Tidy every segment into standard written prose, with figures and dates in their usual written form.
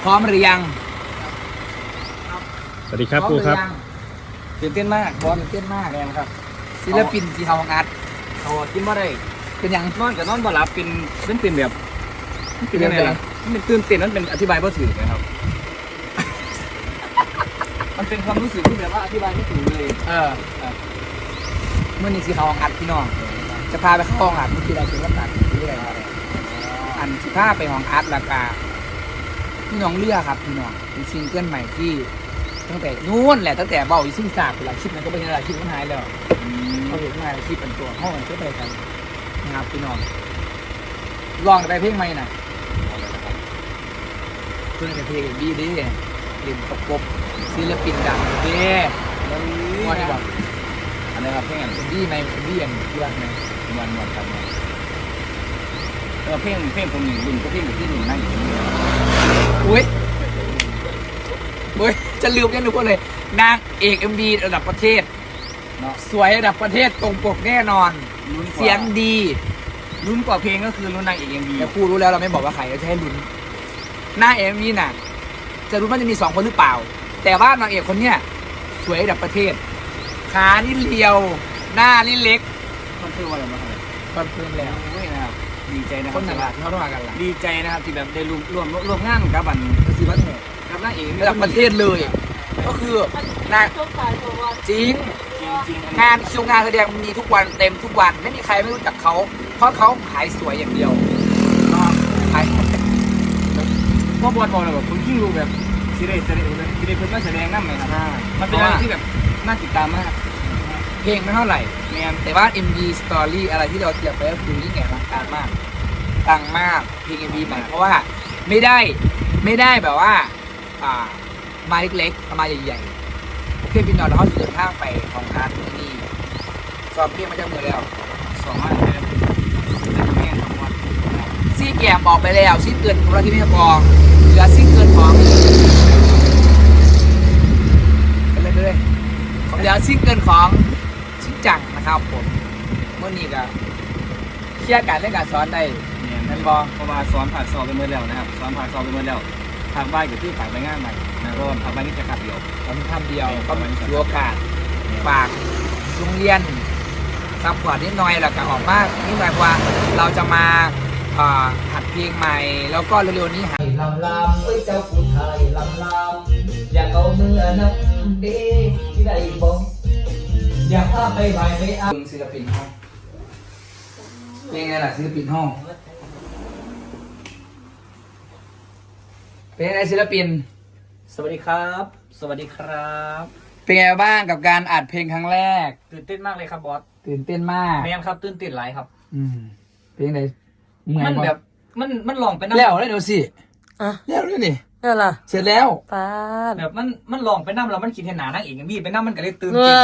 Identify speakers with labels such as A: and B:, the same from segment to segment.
A: ร้อมหรือยัง
B: สวัสดีครับครูครับ
A: ตื่นเต้นมากบอลตื่นเต้นมากเลยครับศิลปินที่เขาอัด
C: เขากินบ่ได้
A: เป็นยัง
C: นอนกับนอนบ่หลับเป็นแบบเป็นยังไงล่ะมันเป็นตื่นเต้นมันเป็นอธิบายบ่ถูกนะครับมันเป็นความรู้สึกที่แบบว่าอธิบายไม่ถูกเลย
A: เมื่อนี้ที่เขาอัดพี่น้องจะพาไปเข้าห้องอัดเมื่อกี้เราถึงก็ตัดเรื่อยอันที่พาไปห้องอัดแล้วก็พี่น้องเลือกครับพี่น้องเป็นซิงเกิลใหม่ที่ตั้งแต่นู้นแหละตั้งแต่เบาอีซึ่งจากเวลาคลิปนั้นก็เป็นเวลาคลิปมันหายแล้วเขาเห็นมาคลิปเป็นตัวห้องมันก็ไปกันนะครับพี่น้องลองไปเพลงใหม่น่ะเพื่อนเพลงดีดีเล่นประกบศิลปินดังดีว่าที่บอก
C: อะไรครับเพลง
A: เป็นดีไหมเป็นดีอย่างที่ว่าไหม
C: วันครับเพลงผมหนึ่งรุ่นก็เพลงที่หนึ่งนั่งอยู่นี่
A: อุ้ยจะลืมยังทุกคนเลยนางเอกMVระดับประเทศสวยระดับประเทศตรงปกแน่นอนเสียงดี
C: รุ่นกว่าเพลงก็คือรุ่นนางเอก MV
A: แต่ครูรู้แล้วเราไม่บอกว่าใครเราจะให้ลุ้นหน้าMVน่ะจะรู้ว่าจะมี2 คนหรือเปล่าแต่ว่านางเอกคนเนี้ยสวยระดับประเทศขานี่เรียวหน้านี่เล็ก
C: มันคือว่าอะไรมา
A: คอนเฟิร์มแล้ว
C: นะครับดีใจนะค
A: ครับนหนักเขาต้องมากันละ
C: ดีใจนะครับที่แบบได้ร่วมงานกับ
A: ศิลปิน
C: กับนางเอก
A: ระดับประเทศเลยก็คือนางจริงงานคิวงานแสดงมีทุกวันเต็มทุกวันไม่มีใครไม่รู้จักเขาเพราะเขาขายสวยอย่างเดียวขาย
C: พ่อบอลบอกเลยแบบคุณยิ่งรู้แบบซีเรียสเพิ่งมาแสดงนั่นไหมครับมันเป็นอะไรที่แบบน่าติดตามมาก
A: เพลงไม่เท่าไหร่แต่ว่า MV Story อะไรที่เราเตรียมไปก็คือยิ่งใหญ่อลังการมากดังมากเพลง MV ใหม่เพราะว่าไม่ได้แบบว่ามาเล็กๆมาใหญ่ๆโอเคพี่น้องเราเขาเดินทางไปของอาร์ตนี่สอบเพลงมาจากมือแล้ว
C: 2 วันเลยแม่ทั้งวัน
A: ซี่แกมบอกไปแล้วซิ่งเกินของเราที่ไม่พอเหลือซิ่งเกินของไปเลยเหลือซิ่งเกินของชิจังนะครับผมเมื่อนี้ก็เคลียร์การเล่นการสอนได้
C: เนี่ยนั่นบอเพราะว่าสอนผ่านสอบไปเมื่อแล้วนะครับสอนผ่านสอบไปเมื่อแล้วทางบ้านอยู่ที่ฝ่ายไปงานใหม่นะเพราะว่าทางบ้านนี่แค่ขับเดียว
A: ทำเดียวก็มีโอกาสฝากโรงเรียนซัพพอร์ตนิดหน่อยแล้วก็ออกมานิดหน่อยว่าเราจะมาหัดเพลงใหม่แล้วก็เร็วๆนี้หัดลำเอ้ยเจ้าผู้ไทยลำอยากเอาเมื่อนับเด้ที่ใดบ้งอยากพาไปไหวไปเอาศิลปินห้องเพลงไงล่ะศิลปินห้องเป็นไงศิลปิน
C: สวัสดีครับสวัสดีครับ
A: เป็นไงบ้างกับการอัดเพลงครั้งแรก
C: ตื่นเต้นมากเลยครับบอส
A: ตื่นเต้นมาก
C: แมนครับตื่นเต้นหลายครับ
A: เพลงไหน
C: มันแบบมันลองไป
A: นั่งแล้วเดี๋ยวสิแล้วด้วยนี่
D: นั่นล่ะ
A: เสร็จแล้ว
D: ป้า
C: แบบมันลองไปนั่งแล้วมันกินเห็นหนานั่งเองมีไปนั่งมันก็เลยตื่นเต้น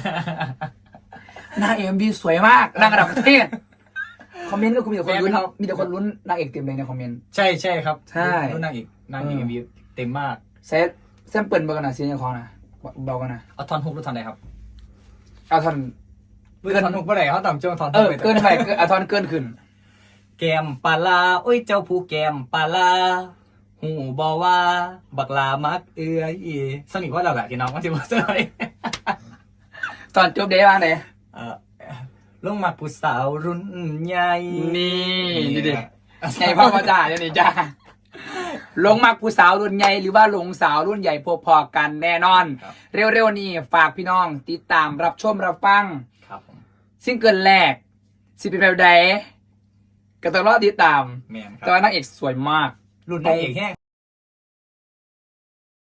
A: นางเอ็มบีสวยมากนางระดับประเทศคอมเมนต์ก็มีแต่คนลุ้นมีแต่คนลุ้นนางเอกเต็มเลยในคอมเมนต์
C: ใช่ครับ
A: ใช่
C: ลุ้นนางเอกมีเต็มมาก
A: เซตแซมเปิลเบอร์กันนะซีนคอนะเบากันนะ
C: เอาทอนฮุกหรือทอนไหนครับ
A: เอาทอน
C: ทอนฮุกเมื่อไหร่เขาต่ำจ้องทอน
A: เกินไปเอาทอนเกินขึ้น
C: แกมปลาโอ้ยเจ้าผู้แกมปลาหูบอว่าบักลามักสนิทว่าเราแหละพี่น้องก็จะมาเจอ
A: ตอนจบเดย์ว่าไหน
C: ลงมาผู้สาวรุ่นใหญ่
A: นี่ดิไงพ่อมาจ่าเนี่ยนี่จ้าลงมาผู้สาวรุ่นใหญ่หรือว่าลงสาวรุ่นใหญ่พอๆกันแน่นอนเร็วๆนี้ฝากพี่น้องติดตามรับชมรับฟังซิงเกิลแรกสิเป็นแบบใดก็ต้องรอติดตามแต่ว่านางเอกสวยมาก
C: รุ่นนางเอกแห้ง